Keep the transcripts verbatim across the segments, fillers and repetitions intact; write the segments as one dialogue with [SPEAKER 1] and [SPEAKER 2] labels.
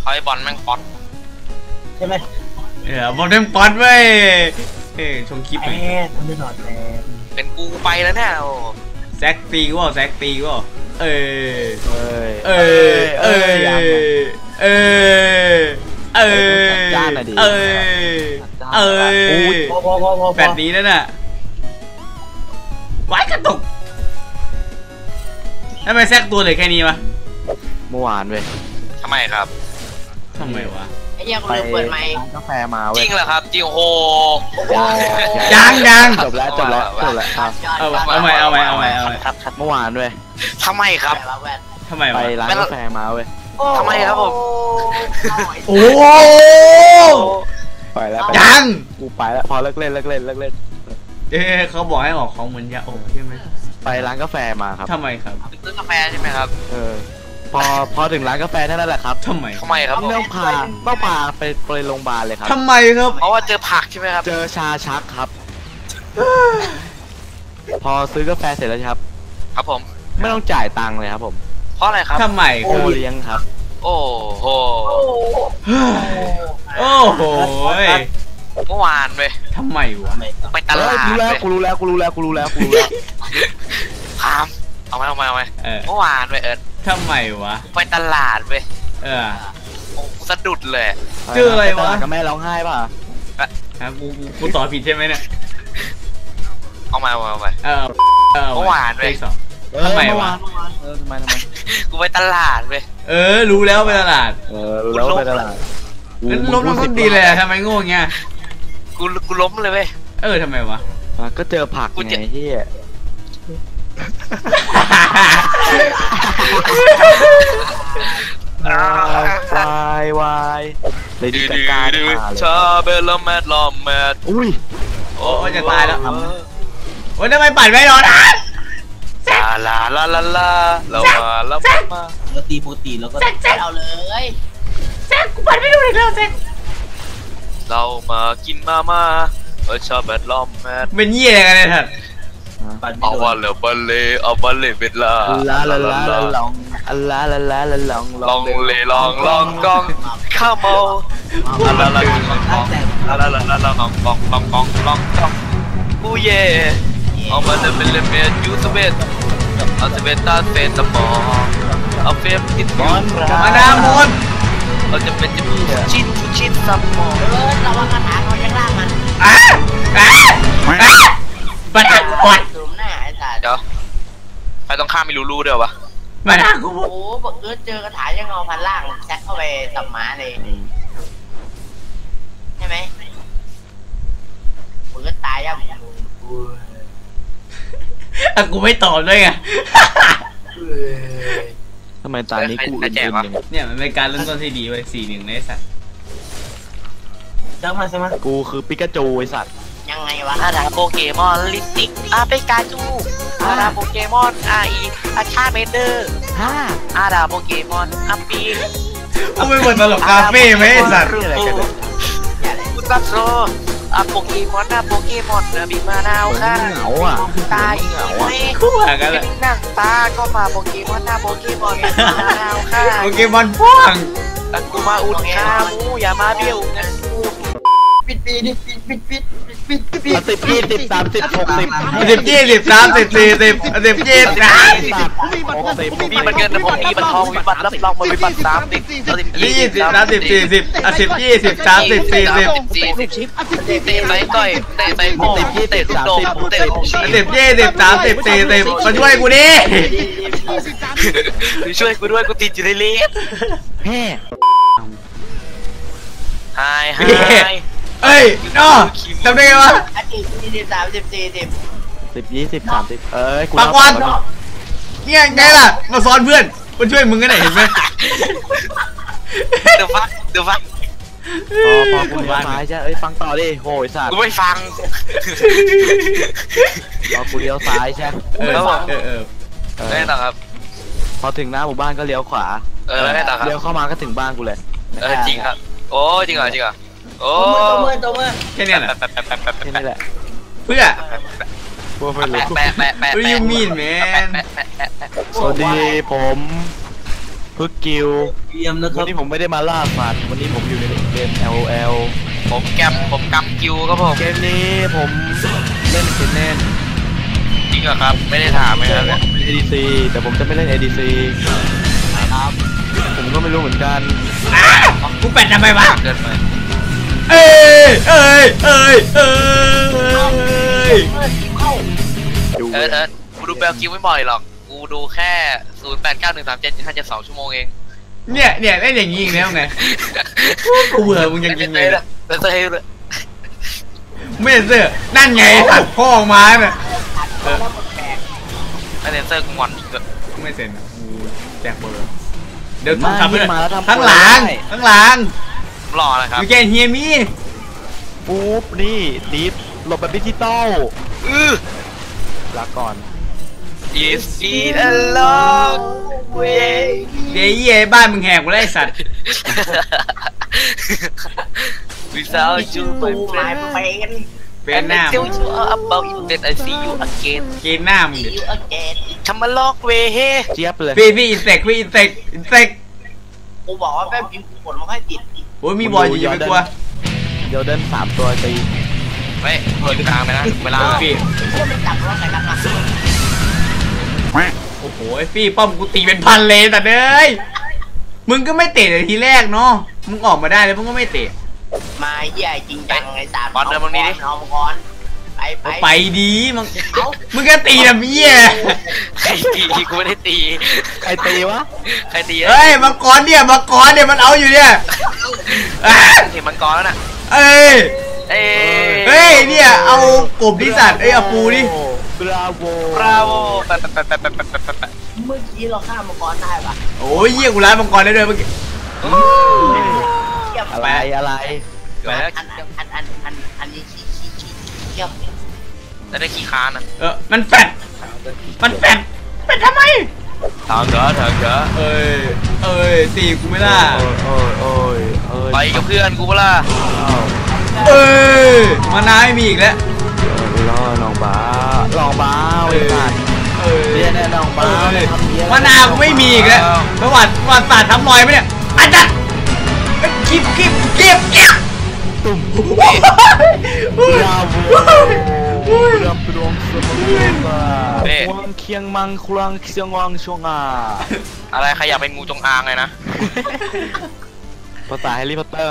[SPEAKER 1] เขาไอ้บอลแม่งป๊อต
[SPEAKER 2] ใช่ไหม
[SPEAKER 3] เออบอลแม่งป๊อตเว้ยเฮ้ยชงคลิปไป
[SPEAKER 2] ทำได้หน่อยแมน
[SPEAKER 1] เป็นกูไปแล้วเนี่ย
[SPEAKER 3] แซกตีกูแซกตีกูเออ
[SPEAKER 4] เอ้ย
[SPEAKER 3] เออเออเออเออ
[SPEAKER 4] จ้าหน่อยดิ
[SPEAKER 3] เออเออ
[SPEAKER 2] พอพอพอพอ
[SPEAKER 3] แบบนี้นั่นน่ะว้ายกระตุกทำไมแซกตัวเลยแค่นี้วะ
[SPEAKER 4] เมื่อวานเว้ย
[SPEAKER 1] ทำไมครับ
[SPEAKER 3] ทำไมวะ
[SPEAKER 2] ไอ้ยังลืมเปิดไมค์
[SPEAKER 4] กาแฟมาเว้ย
[SPEAKER 1] จริงเหรอครับจริงโอ้โห
[SPEAKER 3] ยังยัง
[SPEAKER 4] จบแล้วจบแล้วจบแล้ว
[SPEAKER 3] เอาเอาใหม่เอาใหม่เอาใหม่เอาใหม่
[SPEAKER 4] เมื่อวานเว้ย
[SPEAKER 1] ทำไมครับ
[SPEAKER 3] ทำไมวะ
[SPEAKER 4] ไปร้านกาแฟมาเว้ย
[SPEAKER 1] ทำไมครับผม
[SPEAKER 3] โอ้
[SPEAKER 4] ไปแล้ว
[SPEAKER 3] ยัง
[SPEAKER 4] กูไปแล้วพอเลิกเล่นเลิกเล่นเลิกเล่น
[SPEAKER 3] เอ๊ะเขาบอกให้ออกของเหมือนยาโอบใช่ไหม
[SPEAKER 4] ไปร้านกาแฟมาครับ
[SPEAKER 3] ทำไมครับ
[SPEAKER 1] ซื้อกาแฟใช่ไหมครับ
[SPEAKER 4] เออพอพอถึงร้านกาแฟเท่านั้นแหละครับ
[SPEAKER 3] ทำไม
[SPEAKER 1] ทำไมครับ
[SPEAKER 4] ต้องพาต้องพาไปไปโรงพยาบาลเลยครับ
[SPEAKER 3] ทำไมครับ
[SPEAKER 1] เพราะว่าเจอผักใช่ไหมครับ
[SPEAKER 4] เจอชาชักครับพอซื้อกาแฟเสร็จแล้วครับ
[SPEAKER 1] ครับผม
[SPEAKER 4] ไม่ต้องจ่ายตังค์เลยครับผม
[SPEAKER 1] เพราะอะไรครับ
[SPEAKER 3] ทำไม
[SPEAKER 4] โอเลี้ยงครับ
[SPEAKER 1] โอ้โห
[SPEAKER 3] โอ้โห
[SPEAKER 1] เมื่อวานเว้ย
[SPEAKER 3] ทำไมวะ
[SPEAKER 1] ไปตลาด
[SPEAKER 4] กูรู้แล้วกูรู้แล้วกูรู้แล้วกูรู้แล้วกูรู้แล้ว
[SPEAKER 1] พามเอาไหมเอาไหมเอาไหมเมื่อวานเว้ยเอิร์ธ
[SPEAKER 3] ทำไมวะ
[SPEAKER 1] ไปตลาดเว้ย
[SPEAKER 3] เออ
[SPEAKER 1] โอ้สะดุดเลย
[SPEAKER 3] เจออะไรวะ
[SPEAKER 4] กับแม่ร้องไห้ป่ะ
[SPEAKER 3] ฮะกูกูต่อผิดใช่ไหมเนี่ย
[SPEAKER 1] เอามาเอามา
[SPEAKER 3] เออ
[SPEAKER 1] เมื่อวานเว้ย
[SPEAKER 3] ทำไมวะ
[SPEAKER 4] เออทำไมทำไม
[SPEAKER 1] กูไปตลาดเว้ย
[SPEAKER 3] เออรู้แล้วไปตลาด
[SPEAKER 4] เออรู้แล้วไปตลาด
[SPEAKER 3] งั้นล้มล้มดีเลยทำไมโง่เงี้ย
[SPEAKER 1] กูกูล้มเลยเว้ย
[SPEAKER 3] เออทำไมวะ
[SPEAKER 4] ก็เจอผักไงที่วายวายเลยดีกันการ
[SPEAKER 1] ชาเบลแมดลอมแมด
[SPEAKER 4] อุ้ย
[SPEAKER 3] โอ้จะตายแล้วโอ้ยทำไมปั่นไม่โดนอ่ะ
[SPEAKER 1] ลาลาลาลาเรามาเรามา
[SPEAKER 2] เราตีปกติแล้วก็เอาเลย
[SPEAKER 3] แซกกูปั่นไม่ดูเลยแล้วแซก
[SPEAKER 1] เรามากินมาม่าเออชาเบลอมแมด
[SPEAKER 3] เป็นยี่อะไรกันเนี่ยท่าน
[SPEAKER 1] เอาวันเลยบัลเล่เอาบัลเล่เวลา
[SPEAKER 4] ลาลาลาลองลาลาลาลอง
[SPEAKER 1] ลองเล่ลองลองกองข้าวเมาลาลาลาลาลาลาลาลองกองลองกองลองกองกูเย่เอามาเลยเป็นเลเมดยูสเวตเอาสเวตตาเฟนตมอเอาเฟมติดบอล
[SPEAKER 3] มาดามอน
[SPEAKER 1] เราจะเป็นจะชิดชิดสมอง
[SPEAKER 2] เออระวังกระถางเขาจะล่างมัน
[SPEAKER 3] อ่ะอ่ะอ่ะปัดปัด
[SPEAKER 1] เดี๋ยวไปต้องข้ามไม่รู้รู้เดี๋ยววะ
[SPEAKER 3] มาด่ากู
[SPEAKER 2] โอ้โหบอกเออเจอกระถางยังเอาพันล่างแซกเข้าไปสับหมาเลยใช่ไหมมึงก็ตายยัง
[SPEAKER 3] อ่ะกูไม่ตอบด้วยไง
[SPEAKER 4] ทำไมตานี้กู
[SPEAKER 1] อุ่นๆ
[SPEAKER 3] เนี่ยมันเป็นการเริ่มต้นที่ดีไว้สี่หนึ่งในสัตว์
[SPEAKER 2] จังมาใช่ไหม
[SPEAKER 4] กูคือปิกาจูไอสัตว์
[SPEAKER 2] ยังไงวะ
[SPEAKER 1] อาดาโปเกมอนลิปติกอาเปกาจูอาดาโปเกมอนอาอีอาชาเมเดอร์
[SPEAKER 4] ฮ่า
[SPEAKER 1] อาดาโปเกมอนอาปี
[SPEAKER 3] กูไม่เหมือนตลกคาเฟ่ไหมไอสัตว์
[SPEAKER 1] กูตัดโซอาโปเกมอนอาโปเกมอนเนื้อบีมานาวค่ะ
[SPEAKER 4] เหงาอ่ะ
[SPEAKER 1] ตายเหงาอ่ะ
[SPEAKER 3] คู่หากันเลย
[SPEAKER 1] นั่งตาก็มาโปเกมอนอาโปเกมอนบีมานาวค่ะ
[SPEAKER 3] โปเกมอนพ่วง
[SPEAKER 1] ตักูมาอุดขามูอย่ามาเบี้ยวนะ
[SPEAKER 2] ปิดปีดิปิดปิดปิดปิดปิดปิด
[SPEAKER 4] สิบยี่สิบสามสิบหกสิบ
[SPEAKER 3] สิบยี่สิบสามสิบสี่สิบสิบยี่สิบสาม
[SPEAKER 1] มีมันเงินนะผมมีมันทองมีบัตรรับรองมันมีบัตรสามสิบ
[SPEAKER 3] ยี่สิบสามสิบสี่สิบสิบยี่สิบสามสิบสี่สิบ
[SPEAKER 1] เตะไปต่อยเตะไปโม่เตะลูกโด่เตะลูกชี้
[SPEAKER 3] สิบยี่สิบสามสิบสี่สิบมาช่วยกูดิ
[SPEAKER 1] ช่วยกูด้วยกูติดอยู่ในลิฟต์
[SPEAKER 4] แฮ่
[SPEAKER 1] ไฮไฮ
[SPEAKER 3] เอ้ยน้อจำได้ไงวะ
[SPEAKER 2] สิบยี่สิบสามสิบสี่สิบ
[SPEAKER 4] สิบยี่สิบสามสิบเอ้ย
[SPEAKER 3] ปากวันเนี่ยไงล่ะมาซ้อนเพื่อนมาช่วยมึงกันไหนเห็นไหม
[SPEAKER 1] เดี๋ยวฟังเดี๋ยวฟัง
[SPEAKER 4] พอพอกูเลี้ยวซ้ายใช่เอ้ยฟังต่อดิโหยสัตว์
[SPEAKER 1] กูไม่ฟัง
[SPEAKER 4] พอกูเลี้ยวซ้ายใช่
[SPEAKER 3] เออเออเออ
[SPEAKER 1] ได้ต่อครับ
[SPEAKER 4] พอถึงหน้าหมู่บ้านก็เลี้ยวขวา
[SPEAKER 1] เออได้ต่อครับ
[SPEAKER 4] เลี้ยวเข้ามาก็ถึงบ้านกูเลย
[SPEAKER 1] เออจริงครับโอ้จริงเหรอจริงเหรอโอ้
[SPEAKER 2] ตัวมือตัวมือ
[SPEAKER 3] แค่นี้แหละ
[SPEAKER 4] แค่นี้แหละ
[SPEAKER 3] เพื่อ
[SPEAKER 4] พวกไม่รู้
[SPEAKER 1] แปะแปะแปะ
[SPEAKER 3] What do you mean man
[SPEAKER 4] สวัสดีผมพึกกิล
[SPEAKER 5] เยี่ยมนะค
[SPEAKER 4] วั
[SPEAKER 5] รั
[SPEAKER 4] น
[SPEAKER 5] บ
[SPEAKER 4] นี้ผมไม่ได้มาล่าสัตว์วันนี้ผมอยู่ในเกม แอล โอ แอล
[SPEAKER 1] ผมแกมผมกำกิวครับผม
[SPEAKER 4] เกมนี้ผมเล่นเกมเล่น
[SPEAKER 1] จริงเหรอครับไม่ได้ถามไหมครับเนี่ย
[SPEAKER 4] เอ ดี ซี แต่ผมจะไม่เล่น เอ ดี ซี
[SPEAKER 5] ครับ
[SPEAKER 4] ผมก็ไม่รู้เหมือนกัน
[SPEAKER 3] กูแปดทำไมวะ
[SPEAKER 1] เกินไป
[SPEAKER 3] เอ้ยเอ้ยเอ้ยเอ้ย
[SPEAKER 2] เข้า
[SPEAKER 4] ดู
[SPEAKER 1] เออเออกูดูแบลกิวไม่บ่อยหรอกกูดูแค่ศูนย์แปดเก้าหนึ่งสามเจ็ดห้าเจ็ดสองชั่วโมงเอง
[SPEAKER 3] เนี่ยเนี่ยเล่นอย่างนี้อีกแล้วไงกูเบื่อมึงยังจริงเลย
[SPEAKER 1] เต้ยเลย
[SPEAKER 3] ไม่เสื้อนั่นไงตัดพ่อออกมาเนี่ย
[SPEAKER 2] แล้วแปลก
[SPEAKER 1] ไอเซนเซอร์กูงอนอีกแล้ว
[SPEAKER 3] ไม่เซ็นอะกูแจกเบอร์เดี๋ยว
[SPEAKER 4] มา
[SPEAKER 3] ทำไปเลย
[SPEAKER 4] มาแล้วทำ
[SPEAKER 3] ข้างหลัง
[SPEAKER 4] ได้
[SPEAKER 3] ข้างหลัง
[SPEAKER 1] รอนะครับ
[SPEAKER 3] ยูแกนเฮียมี
[SPEAKER 4] ปุ๊บนี่ดิฟหลบแบบดิจิตอล
[SPEAKER 1] อือ
[SPEAKER 4] ลาก่อน
[SPEAKER 1] It's been a long way
[SPEAKER 3] เดี๋ยวเหี้ยบ้านมึงแหกกูแล้วไอ้สัตว์
[SPEAKER 1] without
[SPEAKER 2] ชื่
[SPEAKER 1] you
[SPEAKER 2] อตู
[SPEAKER 1] my
[SPEAKER 2] หมาย
[SPEAKER 1] friend
[SPEAKER 2] เป็น
[SPEAKER 3] เป็น
[SPEAKER 1] and
[SPEAKER 3] หน้า
[SPEAKER 1] I tell you about it then I see you again
[SPEAKER 3] เกณฑ์หน้ามึง
[SPEAKER 2] ซี
[SPEAKER 3] ดิ
[SPEAKER 2] อูอเกน
[SPEAKER 1] ทำมาลอกเวเฮ
[SPEAKER 4] เจี๊ยบเลย
[SPEAKER 3] พี่พี่อินเสกพี่อินเสกอินเสก
[SPEAKER 2] กูบอกว่าแป๊บพิมพ์กูกดมันค่อยติด
[SPEAKER 3] โอ้ยมีบอลอยู่อย่าไปกลัว
[SPEAKER 4] เดี๋ยวเดินสามตัวตี
[SPEAKER 1] ไม่เปิดกลางไปนะเวลา
[SPEAKER 3] พี่
[SPEAKER 2] เชื่อมันจับเราใส่กันนะ
[SPEAKER 3] โอ้โหพี่ป้อมกูตีเป็นพันเลยแต่เด้ยมึงก็ไม่เตะเลยทีแรกเนาะมึงออกมาได้แล้วมึงก็ไม่เตะ
[SPEAKER 2] มาเหี้ยจริงจังไอ้สาม
[SPEAKER 1] บอลเดินตรงนี้ดิ
[SPEAKER 2] เอามังกรไปไป
[SPEAKER 3] ไปดีมึง
[SPEAKER 2] เอ้า
[SPEAKER 3] มึงก็ตีนะพี่ย
[SPEAKER 1] ใครตีกูไม่ได้ตี
[SPEAKER 4] ใครตีวะ
[SPEAKER 1] ใครตี
[SPEAKER 3] เฮ้ยมังกรเนี่ยมังกรเนี่ยมันเอาอยู่เนี่ยอ่ะ
[SPEAKER 1] เห็นมังกรแล้วน่ะ
[SPEAKER 3] เอ้ย
[SPEAKER 1] เอ้
[SPEAKER 3] เฮ้ยเนี่ยเอากบดิสัตว์เอ้ยเอาปูดิ
[SPEAKER 4] บราโว
[SPEAKER 1] บราโวแปะแปะแปะแปะแปะแปะแปะแปะ
[SPEAKER 2] เมื่อกี้เราฆ่ามังกรได้ปะ
[SPEAKER 3] โอ้ยเยี่ยกูร้ายมังกรได้ด้วยเมื่อกี้
[SPEAKER 2] เทียบ
[SPEAKER 4] อะไรอะไร
[SPEAKER 1] เกิดแล้ว
[SPEAKER 2] อันอันอันอันอันอันนี้ขี้ขี้ขี้เทียบเนี่ย
[SPEAKER 1] จะได้ขี้ค้านอ่ะ
[SPEAKER 3] เออมันแฟดมันแฟดแฟดทำไม
[SPEAKER 1] ทางเถอะทางเถอะ
[SPEAKER 3] เอ้ยเอ้ยตีกูไม่ได้
[SPEAKER 4] โอ้ยโอ้ยโอ้ย
[SPEAKER 1] ไปกับเพื่อนกูเปล่า
[SPEAKER 3] เอ้ยมานาไม่มีอีกแล้ว
[SPEAKER 4] ล่อน้องบ้าลองบ้าไอ้สัตว์
[SPEAKER 3] เอ้ย
[SPEAKER 4] เรียนแน่น้องบ้า
[SPEAKER 3] เอ้ย
[SPEAKER 4] ทำเหี้ย
[SPEAKER 3] มานากูไม่มีอีกแล้วประวัติประวัติศาสตร์ทำรอยไหมเนี่ยอาจารย์คลิปคลิปคลิปคลิป
[SPEAKER 4] ตุ่ม
[SPEAKER 3] บ
[SPEAKER 4] บราโวเรือปรวงสมบูรณ์ควงเคียงมังควงเคียงวังชงอา
[SPEAKER 1] อะไรใครอยากเป็นงูจงอางเลยนะ
[SPEAKER 4] ภาษาแฮร์รี่พอตเตอร์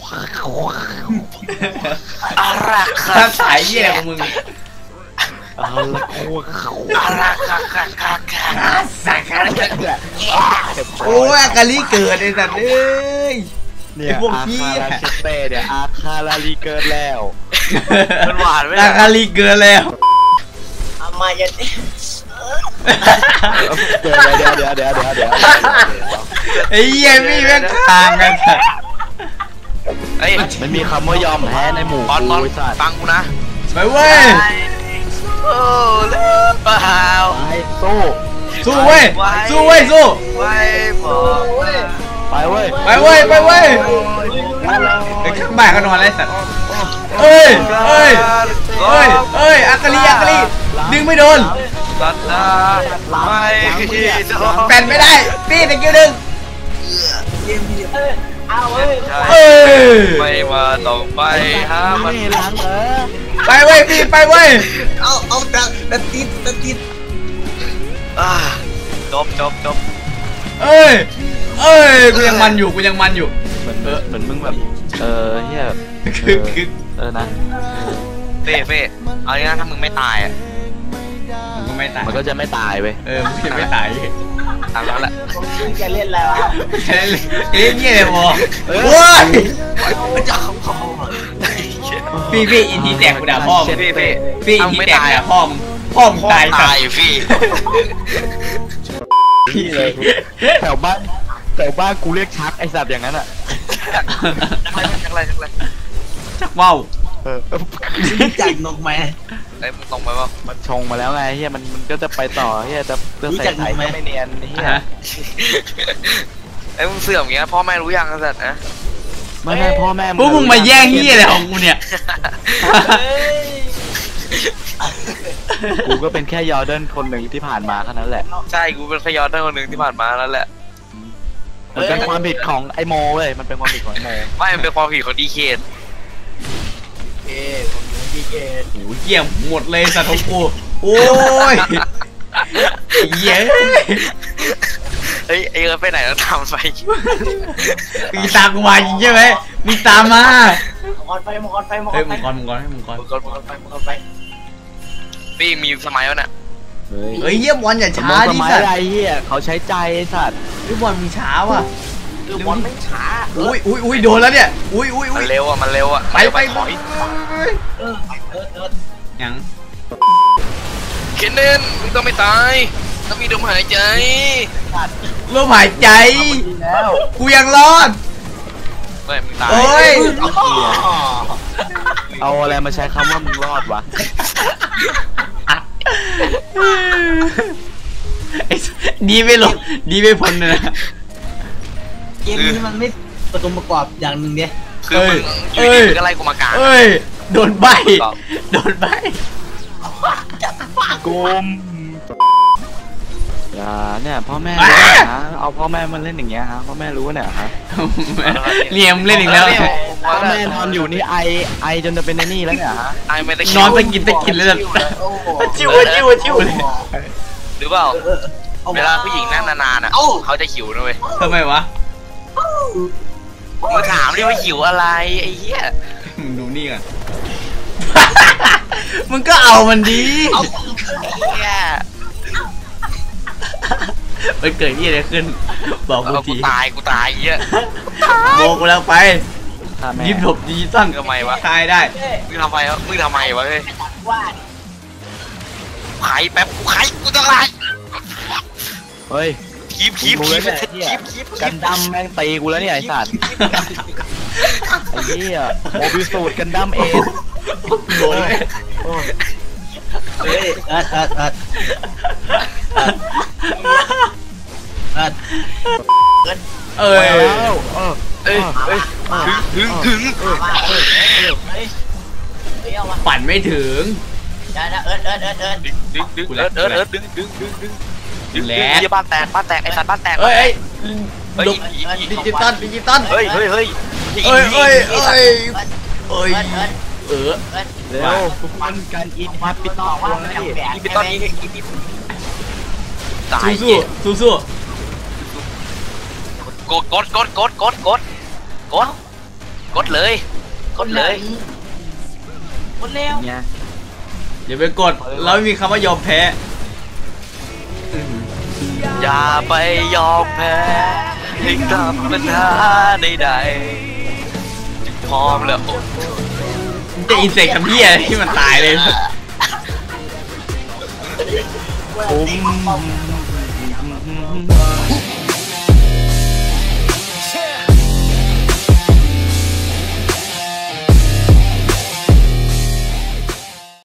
[SPEAKER 1] อารัก
[SPEAKER 3] ภาษาเยี่ยของมึง
[SPEAKER 4] เอาละควง
[SPEAKER 1] อารักคักคักคักคัก
[SPEAKER 3] สักการโอ้ยอากาลีเกิดไอ้สัตว์เอ้ย
[SPEAKER 4] เนี่ย
[SPEAKER 3] ไอ้พวก
[SPEAKER 4] อา
[SPEAKER 3] เหี้
[SPEAKER 4] คาย ราเชเต้เนี่ยอาคาราลีเกินแล้ว
[SPEAKER 1] มันหวานไหม
[SPEAKER 3] อากาลีเกิดแล้ว
[SPEAKER 2] เอามาจะ
[SPEAKER 4] เดี๋ยวเดี๋ยวเดี๋ยวเดี๋ยวเดี๋ยวเดี๋ยว
[SPEAKER 3] ไอ้เหี้ยพี่แม่งทางกันสัตว์
[SPEAKER 1] เอ้ย
[SPEAKER 4] มันมีคำว่ายอมแพ้ในหมู่
[SPEAKER 1] บอลบอล
[SPEAKER 4] ไอ้สัตว์
[SPEAKER 1] ฟังกูนะ
[SPEAKER 3] ไปเว้ย
[SPEAKER 1] โอ้เลิฟเปล่า
[SPEAKER 4] ไปสู้
[SPEAKER 3] สู้เว้ยสู้เว้ยสู้
[SPEAKER 1] ไว้บอกว่า
[SPEAKER 4] ไปเว้ย
[SPEAKER 3] ไปเว้ยไปเว้ยไอ้ข้างบ้านเขานอนไรสัตว์เอ้ยเอ้ยเอ้ยเอ้ยอากาลีอากาลีดึงไม่โดน
[SPEAKER 1] สัตว์นะไม่จะ
[SPEAKER 3] แปนไม่ได้พี่ตะกิ้วดึง
[SPEAKER 2] เอาเว้ย
[SPEAKER 3] เอ้ย
[SPEAKER 1] ไม่มาต้องไปหามัน
[SPEAKER 4] ไม่ล้างเออ
[SPEAKER 3] ไปเว้ยพี่ไปเว้ย
[SPEAKER 5] เอาเอาดักดักติดดักติด
[SPEAKER 1] อ่าจบจบจบ
[SPEAKER 3] เอ้ยเอ้ยกูยังมันอยู่กูยังมันอยู่
[SPEAKER 4] เหมือนเหมือนมึงแบบเออเฮีย
[SPEAKER 3] คือคือ
[SPEAKER 4] เออนะ
[SPEAKER 1] เฟ่เฟ่เอางี้นะถ้ามึงไม่ตายอ่ะ
[SPEAKER 3] มันก็ไม่ตาย
[SPEAKER 4] มันก็จะไม่ตายเว้ย
[SPEAKER 3] เออมึงจะไม่ตาย
[SPEAKER 1] ตามนั้นแหละ
[SPEAKER 2] มึงจะเล่นอะไรวะ
[SPEAKER 3] เล่นเล่นเงี้ยเลยพอ
[SPEAKER 4] เออ
[SPEAKER 3] โอ้ย
[SPEAKER 1] มันจะเอาพ่อ
[SPEAKER 3] พี่พี่อินทีแตกกูด่าพ่อมึง
[SPEAKER 1] เฟ่เฟ่
[SPEAKER 3] พี่อินทีแตกด่าพ่อมึงพ่อมึง
[SPEAKER 1] พ่อ
[SPEAKER 3] ตาย
[SPEAKER 1] ตายพี่
[SPEAKER 3] พี่เลย
[SPEAKER 4] แถวบ้านแถวบ้านกูเรียกชักไอสัตว์อย่างนั้นอ่ะ
[SPEAKER 1] จักไรจักไร
[SPEAKER 3] จักว่าว
[SPEAKER 4] เออ
[SPEAKER 5] รู้จักนกไหม
[SPEAKER 1] ไอ้มึงตรงไปว่า
[SPEAKER 4] มันชงมาแล้วไงเฮียมันมันก็จะไปต่อเฮียจะจะ
[SPEAKER 5] รู้
[SPEAKER 4] ใส่
[SPEAKER 5] จัก
[SPEAKER 4] ไถ่
[SPEAKER 5] ไหม
[SPEAKER 4] ก็ไม่เนียนเฮีย
[SPEAKER 3] ฮะ
[SPEAKER 1] ไอ้มึงเสื่อมอย่างเงี้ยพ่อแม่รู้ยังสัตว์นะ
[SPEAKER 4] ไม่ไม่พ่อแม่
[SPEAKER 3] พวกมึงมาแย่งเงี้ยอะไรของกูเนี่ย
[SPEAKER 4] กูก็เป็นแค่ยอร์เดนคนหนึ่งที่ผ่านมาแค่นั้นแหละ
[SPEAKER 1] ใช่กูเป็นขยอนได้คนหนึ่งที่ผ่านมาแล้วแหละ
[SPEAKER 4] มันเป็นความผิดของไอโมเว้ยมันเป็นความผิดของไอโม
[SPEAKER 1] ไม่มันเป็นความผิดของดีเค
[SPEAKER 5] เอ้ผมอยู่ที่เกต
[SPEAKER 3] โอ้ยเกี่ยมหมดเลยสัตว์ของกูโอ้ยเหี้ย
[SPEAKER 1] เฮ้ยไอ้เอิร์ธไปไหนแล้วทำไป
[SPEAKER 3] มีตามกูมาจริงใช่ไหมมีตามมา
[SPEAKER 2] มังกรไฟมังกรไฟมังก
[SPEAKER 3] เฮ้ย
[SPEAKER 2] รไฟ
[SPEAKER 3] มึงกรมึงกรให้มึงกร
[SPEAKER 1] มึงกดมึงกด
[SPEAKER 2] ไฟมังกรไฟ
[SPEAKER 1] พี่มีสมัยวะน่ะ
[SPEAKER 4] เฮ้ย
[SPEAKER 3] เฮ้ยเยี่ยบอลอย่า
[SPEAKER 4] สม
[SPEAKER 3] ช้าม
[SPEAKER 4] ติ
[SPEAKER 3] ดิ
[SPEAKER 4] สมัย
[SPEAKER 3] สัตว์
[SPEAKER 4] อะไรเฮียเขาใช้ใจไอ้สัตว์
[SPEAKER 3] เฮ้ยบอลมึงช้าว่ะ
[SPEAKER 2] คือบอลไม่ช้า
[SPEAKER 3] อุ้ยอุ้ยอุ้ยโดนแล้วเนี่ยอุ้ยอุ้ย
[SPEAKER 1] มั
[SPEAKER 3] อุ้
[SPEAKER 1] น
[SPEAKER 3] ย
[SPEAKER 1] เร็วอ่ะมันเร็วอ่ะ
[SPEAKER 3] ไปไป
[SPEAKER 1] ถอย
[SPEAKER 2] เออไปเออเออ
[SPEAKER 3] ยัง
[SPEAKER 1] เคนเนนมึงต้องไม่ตายต้องมีลมหายใจ
[SPEAKER 3] ลมหายใจ
[SPEAKER 2] แล้ว
[SPEAKER 3] กูยังรอด
[SPEAKER 1] ไม่มึงตาย
[SPEAKER 3] โอ้ย
[SPEAKER 4] เอาอะไรมาใช้คำว่ามึงรอดวะ
[SPEAKER 3] ไอ้ดีไม่ลงดีไม่พ้นเลยนะ
[SPEAKER 5] เกมนี้มันไม่ประตูประกอบอย่างหนึ่งเนี่ย
[SPEAKER 1] คือมึงอ
[SPEAKER 3] เอ้
[SPEAKER 1] ยู่
[SPEAKER 3] ย
[SPEAKER 1] ดีมึงก็ไล่กูมากลาง
[SPEAKER 3] เอ้ยโดนใบโดนใบ
[SPEAKER 4] กุมอย่าเนี่ยพ่อแม่รู้นะฮะเอาพ่อแม่มาเล่นอย่างเงี้ยฮะพ่อแม่รู้เนี่ยฮะ
[SPEAKER 3] เลียมเล่นอีกแล้ว
[SPEAKER 4] พ่อแม่นอนอยู่นี่ไอไอจนจะเป็นไอ้นี่แล้วเนี่ยฮะ
[SPEAKER 1] ไอ้ไม่ได้
[SPEAKER 3] นอนตะกินตะกินเลยแบบ
[SPEAKER 2] โอ้โห
[SPEAKER 3] ชิวชิวชิวเลย
[SPEAKER 1] หรือเปล่าเวลาผู้หญิงนั่งนานๆอ่ะเขาจะหิวนะเว้ย
[SPEAKER 3] ทำไมวะ
[SPEAKER 1] มึงถามดิว่าหิวอะไรไอ้เหี้ย
[SPEAKER 3] มึงดูนี่ก่อน มึงก็เอามันดี
[SPEAKER 1] เหี้ย
[SPEAKER 3] มันเกิดที่อะไรขึ้น บอกกู
[SPEAKER 1] เอากู
[SPEAKER 3] ที
[SPEAKER 1] ตายกูตายเหี้ย
[SPEAKER 3] โบกูแล้วไป
[SPEAKER 4] ถ้าแม่
[SPEAKER 3] ยิบหลบดิจิตอล
[SPEAKER 1] ทำไมวะ
[SPEAKER 3] คลายได้
[SPEAKER 1] มึงทำไมวะมึงทำไมวะเฮ้ย
[SPEAKER 2] ว่า
[SPEAKER 1] ไข่แป๊บกูไข่กูจะไข่
[SPEAKER 4] เฮ้ย
[SPEAKER 1] คีบคีบ
[SPEAKER 4] กู
[SPEAKER 1] คี
[SPEAKER 4] รู้
[SPEAKER 1] บ
[SPEAKER 4] แล้วเนี่ย
[SPEAKER 1] คีบคีบ
[SPEAKER 4] กันดั้มแม่งตีกูแล้วเนี่ยไอ้สัตว์ไอ้เหี้ยโมบิสูตรกันดั้มเอส
[SPEAKER 3] โดนเลย
[SPEAKER 5] เฮ้ยเอิร์ดเอิร์ดเอิร์ดเอิร์ด
[SPEAKER 3] เอ้ย
[SPEAKER 4] แล้วเออ
[SPEAKER 1] เอ้ยเอ้ยถึงถึงถึง
[SPEAKER 2] มาเออเออเฮ้ยเฮ้ยเอามา
[SPEAKER 3] ปั่นไม่ถึง
[SPEAKER 2] ได้นะเอิร์ดเอิร์ดเอิร์ดเอิร์ด
[SPEAKER 1] ดึงดึงดึงเอิร์ดเอิร์ดเอิร์ดดึงดึงดึงดึงดึง
[SPEAKER 3] แหละ
[SPEAKER 1] เหี้ยบ้านแตกบ้านแตกไอ้สัตว์บ้านแตก
[SPEAKER 3] เอ้ยเอ้ย
[SPEAKER 1] เฮ้ย
[SPEAKER 3] หลบดิจิตอลดิจิตอล
[SPEAKER 1] เฮ้ยเฮ้ยเฮ้ย
[SPEAKER 3] เอ้ยเอ้ยเอ้ยเอ้ยเออ
[SPEAKER 4] เร็วทุกคนการอินมาปิด
[SPEAKER 2] บ
[SPEAKER 4] ต่อ
[SPEAKER 2] อกว่า
[SPEAKER 4] ว่า
[SPEAKER 2] ไม่
[SPEAKER 4] ไอ้
[SPEAKER 2] ต้องแบก
[SPEAKER 1] อีพิตอนนี้อีพิตาย
[SPEAKER 3] สู้สู้สู้สู้
[SPEAKER 1] กดกดกดกดกดกดกดกดเลยกดเลย
[SPEAKER 2] คนเร็ว
[SPEAKER 4] เนี่ย
[SPEAKER 3] อย่าไปกดเราไม่มีคำว่ายอมแพ้
[SPEAKER 1] อย่าไปยอมแพ้ให้กับปัญหาใดๆจึงพร้อมแล้วอด
[SPEAKER 3] จะอินเสกกับพี่อะไรที่มันตายเลย
[SPEAKER 4] คุ้ม